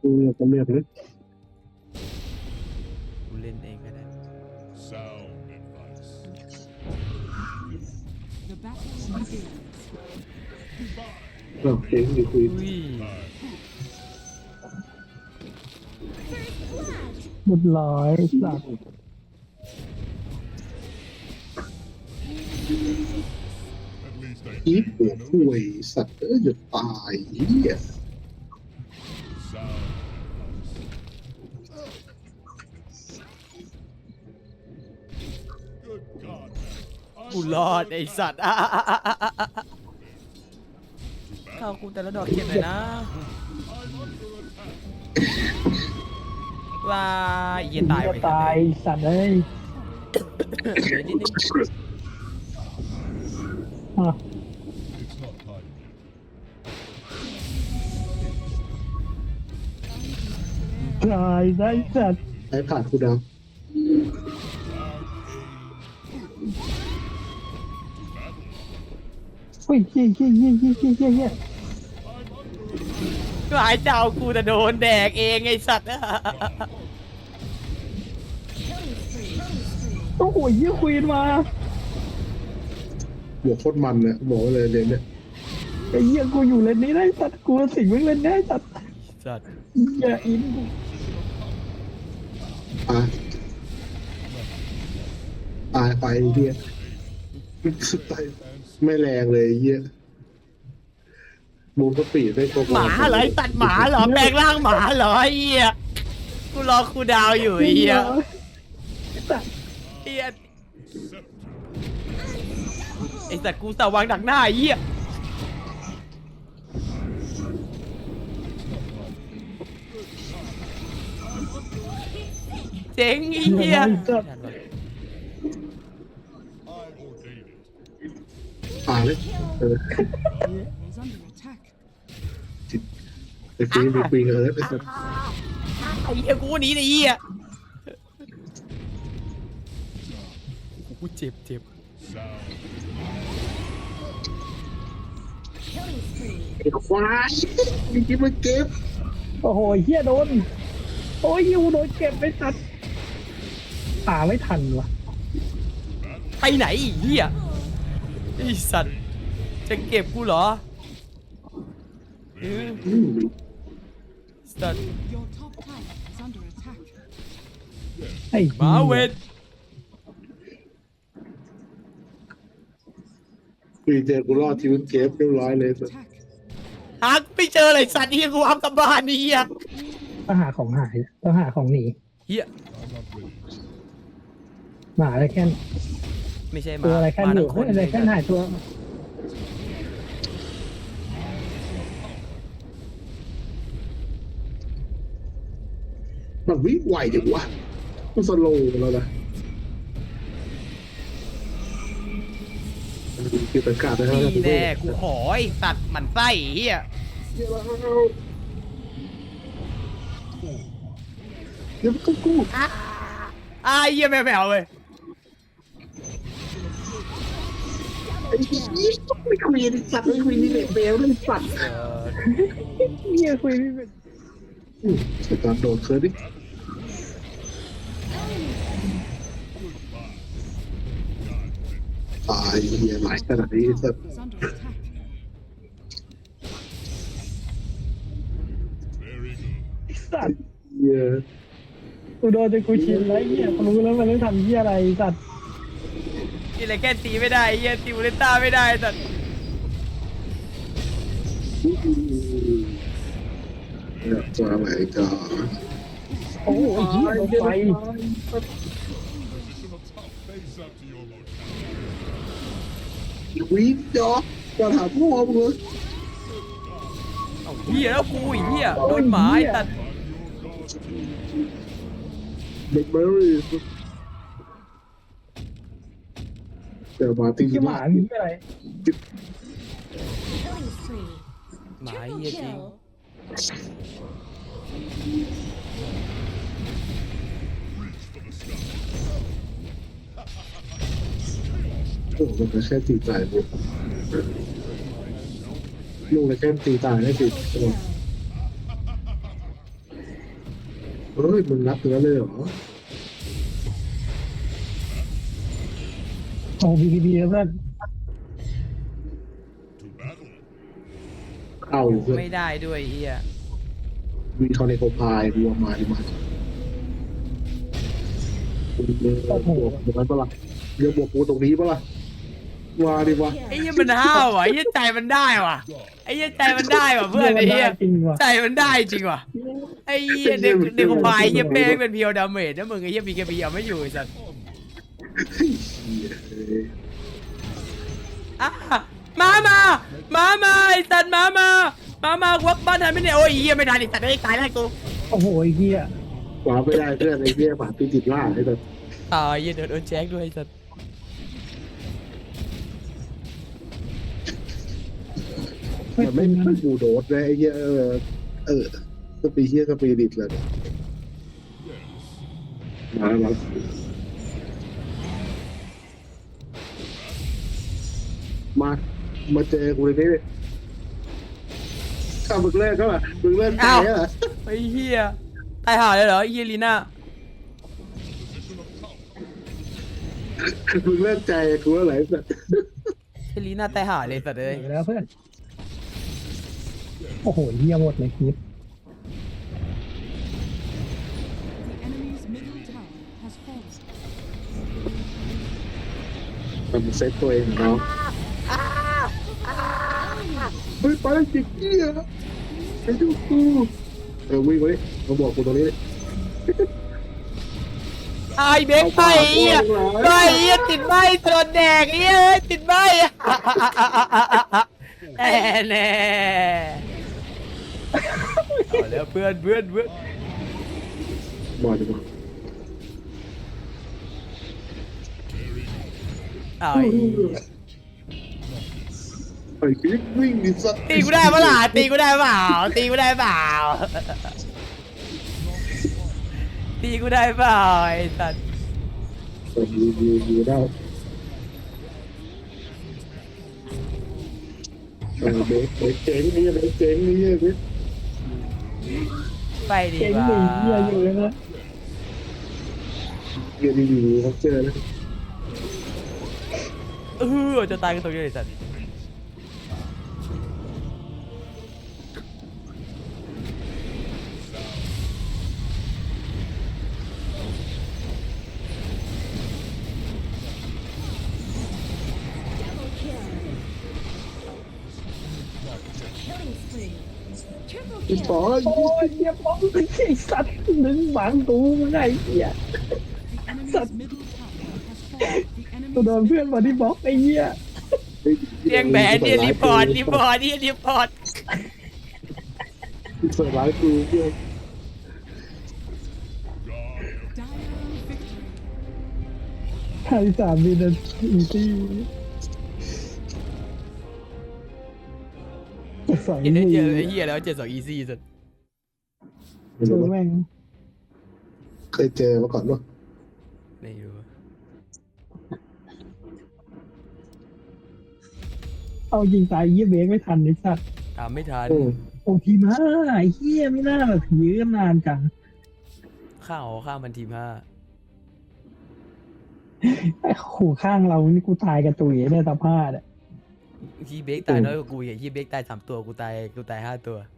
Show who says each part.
Speaker 1: กูเลือกก็เลือกเลย
Speaker 2: กูเล่นเองก็ได้
Speaker 3: Sound advice.
Speaker 4: The battle begins.
Speaker 1: โอเคมีคุย
Speaker 2: อุ้ย
Speaker 5: เรียบร้อยสัตว์
Speaker 3: At least I
Speaker 1: อี
Speaker 3: did
Speaker 1: หัว
Speaker 3: know
Speaker 1: คุยสัตว์จะตายเหี้ย
Speaker 3: sound advice. Good God, man.
Speaker 2: กูรอดไอสัตว์เข้ากูแต่ละดอกเก็บเลยนะว้ายเหี้ยตาย
Speaker 5: ก็
Speaker 2: ไป
Speaker 5: ตายสัตว์เอ้ย
Speaker 2: เดี๋ยวนิดนึง
Speaker 5: อ่ะ
Speaker 3: It's not time.
Speaker 5: ตายได้สัตว์
Speaker 1: ไอ้ผ่านกูดาว
Speaker 5: เฮ้ยเฮี้ยเฮี้ยเฮี้ยเฮี้ยเฮี้ยเฮี้ยเฮี้ย
Speaker 2: ก็หายเจ้ากูแต่โดนแดกเองไอสัตว์
Speaker 5: โอ้โหเฮี้ยควีนมา
Speaker 1: หัวโคตรมันเนี่ยบอกเลยเดี๋ยวเนี่ย
Speaker 5: ไอ้เฮี้ยกูอยู่เลนนี้ได้สัตว์กูสิงมึงเลนได้สัตว์
Speaker 2: สัตว์
Speaker 5: อย่าอินกู
Speaker 1: ตายไปเหี้ยตายไม่แรงเลยเหี้ยมูนก็ปีดได้ก็
Speaker 2: หมาเหรอไอสัตว์หมาเหรอแปลงร่างหมาเหรอไอ้เหี้ยกูรอคูดาวอยู่ไอ้เหี้ย
Speaker 5: สัตว์
Speaker 2: ไอ้เหี้ยไอสัตว์กูสวางดักหน้าไอ้เหี้ยเจ๋งไอ้เหี้ย
Speaker 5: สัตว์
Speaker 3: I ordain it.
Speaker 1: ตายเลยเออ
Speaker 4: Is under attack.
Speaker 1: ไอ้ปีนไอ้ปีนเออไอ้สัตว์
Speaker 2: ไอ้เหี้ยกูหนีไอ้เหี้ยกูเจ็บ
Speaker 3: Sound.
Speaker 1: ไอ้ควายมีที่มาเก็บ
Speaker 5: โอ้โหเฮี้ยโดนโอ้ยยูโดนเก็บไปสัตว์หาไม่ทันวะ
Speaker 2: ไปไหนไอ้เหี้ยไอ้สัตว์จะเก็บกูเหรอสัตว์
Speaker 4: Your top tower is under attack.
Speaker 5: ไอ้
Speaker 2: หมาเวท
Speaker 1: ปีนเจอกูรอดชีวิตเก็บเรียบร้อยเลยสัตว์
Speaker 4: Attack.
Speaker 2: หาไม่เจอเลยสัตว์ที่กูเอากลับบ้านนี่เหี้ย
Speaker 5: ต้องหาของหายต้องหาของหนี
Speaker 2: เหี้ย
Speaker 3: I'm not ready.
Speaker 5: หมาอะไรแค่น
Speaker 2: ไม่ใช่ห
Speaker 5: ตัว
Speaker 2: มา
Speaker 5: อะไรแค่น
Speaker 2: มา
Speaker 5: อ
Speaker 2: ทั้
Speaker 5: ยู่
Speaker 2: งค
Speaker 5: เฮ้ย
Speaker 2: น
Speaker 5: อะไรแค่นหายตัว
Speaker 1: มันวิ่งไวจังวะมันสโลว์แล้วนะคือประกาศนะครับ
Speaker 2: นี่แน่กูขอไอ้สัตว์หมันไส้เหี้ย
Speaker 1: เดี๋ยวก็กู
Speaker 2: เหี้ยไม่เอาเว้ย
Speaker 1: ไอ้ยี่ไม่คุยดิสัตว์ไม่คุยนี่เบลเลยสัตว์
Speaker 5: เฮียคุยไม่เป็น
Speaker 1: สตาร์โดดเคยดิตายเฮียหลายขนาดนี้สัตว์
Speaker 4: Is under attack.
Speaker 3: Very good.
Speaker 5: สัตว์
Speaker 1: เฮีย
Speaker 5: กูโดนจนกูชินแล้วเฮียกูรู้แล้วมันต้องทำเฮียอะไรสัตว์
Speaker 2: นี่อะไรแค่ตีไม่ได้เหี้ยตีวเลต้าไม่ได้สัตว์
Speaker 1: อยากจะอะไรกัน
Speaker 5: โอ้โหเฮียลงไป
Speaker 3: Face up to your mortality.
Speaker 1: วิ่งจอกจะถามพ่อมึงเลย
Speaker 2: เอาเหี้ยแล้วกูไอ้เหี้ยโดนหมาไอ้สัตว์
Speaker 1: เด็กเบอร์รี่เดี๋ยวมาตี
Speaker 5: เฮียหมามีอะไร
Speaker 6: Killing spree.
Speaker 2: หมา
Speaker 6: Triple
Speaker 2: เหี้ยจริง
Speaker 6: kill.
Speaker 1: โอ้มันก็แค่ตีตายบุลูกเลยแค่ตีตายได้สิ
Speaker 6: Triple kill.
Speaker 1: เฮ้ยมึงนับถึงนั้นเลยเหรอ
Speaker 5: โอ้บีบีแล้วเพื่อน
Speaker 3: To battle.
Speaker 1: เข้าอยู่เพื่อน
Speaker 2: ไม่ได้ด้วยเฮีย
Speaker 1: วีคอนเนโคพายวัวมาดิมาคุณเบวกตรงนั้นปะล่ะเดี๋ยวบวกกูตรงนี้ปะล่ะมาดิวะ
Speaker 2: ไอ้เฮียมันห้าวว่ะไอ้เฮียใจมันได้ว่ะไอ้เฮียใจมันได้ว่ะเพื่อนไอ้เฮีย
Speaker 5: จริงว่ะ
Speaker 2: ใจมันได้จริงว่ะไอ้เฮียเด็กควายเฮียเป้งเป็นเพียวดาเมจนะมึงไอ้เฮียมีแค่เพียวไม่อยู่ไอ้สัส อ่ะมาไอ้สัตว์มาวักบ้านทันไม่เนี่ยโอ้ยเฮียไม่ทันไอ้สัตว์ได้ตายแล้วกู
Speaker 5: โอ้โหไอ้เหี้ย
Speaker 1: ขวาไม่ได้เพื่อนไอ้เหี้ยผ่านติดล่าไอ้แบบ
Speaker 2: ตายเฮียโดนแจ็คด้วยไอ้สัตว์
Speaker 1: มันไม่บูโดดเลยไอ้เหี้ยสปีเหี้ยสปีดิตเลยมาเจอกูเลยนี่ข้ามึงเลิกก็ล่ะมึงเลิกใจอ่ะ
Speaker 2: ไอ้เฮียตายห่าเลยเหรอไอ้เฮียลีน่า
Speaker 1: มึงเลิกใจกูอะไรแบบ
Speaker 2: ไอ้ลีน่าตายห่าเลยสัตว์เลย
Speaker 5: เดี๋ยวแล้วเพื่อนโอ้โหเหี้ยหมดเลยคลิป
Speaker 4: The enemy's middle tower has fallen.
Speaker 1: มันเซตตัวเองเนาะเฮ้ยไปจิกเหี้ยไอ้ดูกูวิ่งมาดิมาบอกกูตรงนี้ดิ
Speaker 2: ไอ้เบคไปเฮียไปเฮียติดใบตลอดแดกเฮียติดใบแน่เอาแล้วเพื่อน
Speaker 1: บอกดิบอก
Speaker 2: เอา
Speaker 1: ไอ้กิ๊กวิ่งดิสัตว์
Speaker 2: ตีกูได้ปะล่ะตีกูได้เปล่าตีกูได้เปล่าตีกูได้เปล่าไอ้สัตว์
Speaker 1: อยู่ได้เบรกเจ๋งนี่เบรกเจ๋งนี่เบรก
Speaker 2: ไปดี
Speaker 5: เก่ง
Speaker 2: กว่า
Speaker 5: หนีเหี้ยอยู่เลยนะ
Speaker 1: เกียร์ดีอยู่เขาเจอแล้ว
Speaker 2: จะตายกันตรงนี้ไอ้สัตว์
Speaker 1: พี่ปอ
Speaker 5: โอ้ยเหี้ยป้องไอ้สัตว์ดึงบังกูมึงไงเหี้ย
Speaker 4: The enemy's middle tower has fallen. The
Speaker 5: กูโดน
Speaker 4: enemy's
Speaker 5: เพื่อนมาที่บล็อกไอ้เหี้ย
Speaker 2: เรียงแบนเนี่ยรีพอร์ตนี่รีพอร์ต
Speaker 1: เปิดร้านกูเพื่อน
Speaker 4: dire victory.
Speaker 5: ไทย3 วินาทีที่สอง
Speaker 2: เห็นได้
Speaker 5: มื
Speaker 2: เจอ
Speaker 5: อ
Speaker 2: ไอ้เหี้ยแล้ว7-2 easy สุด
Speaker 5: ดูแม่ง
Speaker 1: เคยเจอมาก่อนป่ะ
Speaker 2: ไม่รู้
Speaker 5: เอายิงตายเหี้ยเบรกไม่ทันไอ้สัตว์
Speaker 2: ตามไม่ทัน
Speaker 5: โอ้ทีมาไอ้เหี้ยไม่น่าแบบยื้อนานจัง
Speaker 2: ข้าวมันทีม
Speaker 5: ไอ้ขู่ข้างเรานี่กูตายกับตุ๋ยได้ตาผ้าเนี่ย
Speaker 2: 5ที่เบคตายน้อยกว่ากูอย่างที่เบคตาย3 ตัวกูตาย5 ตัว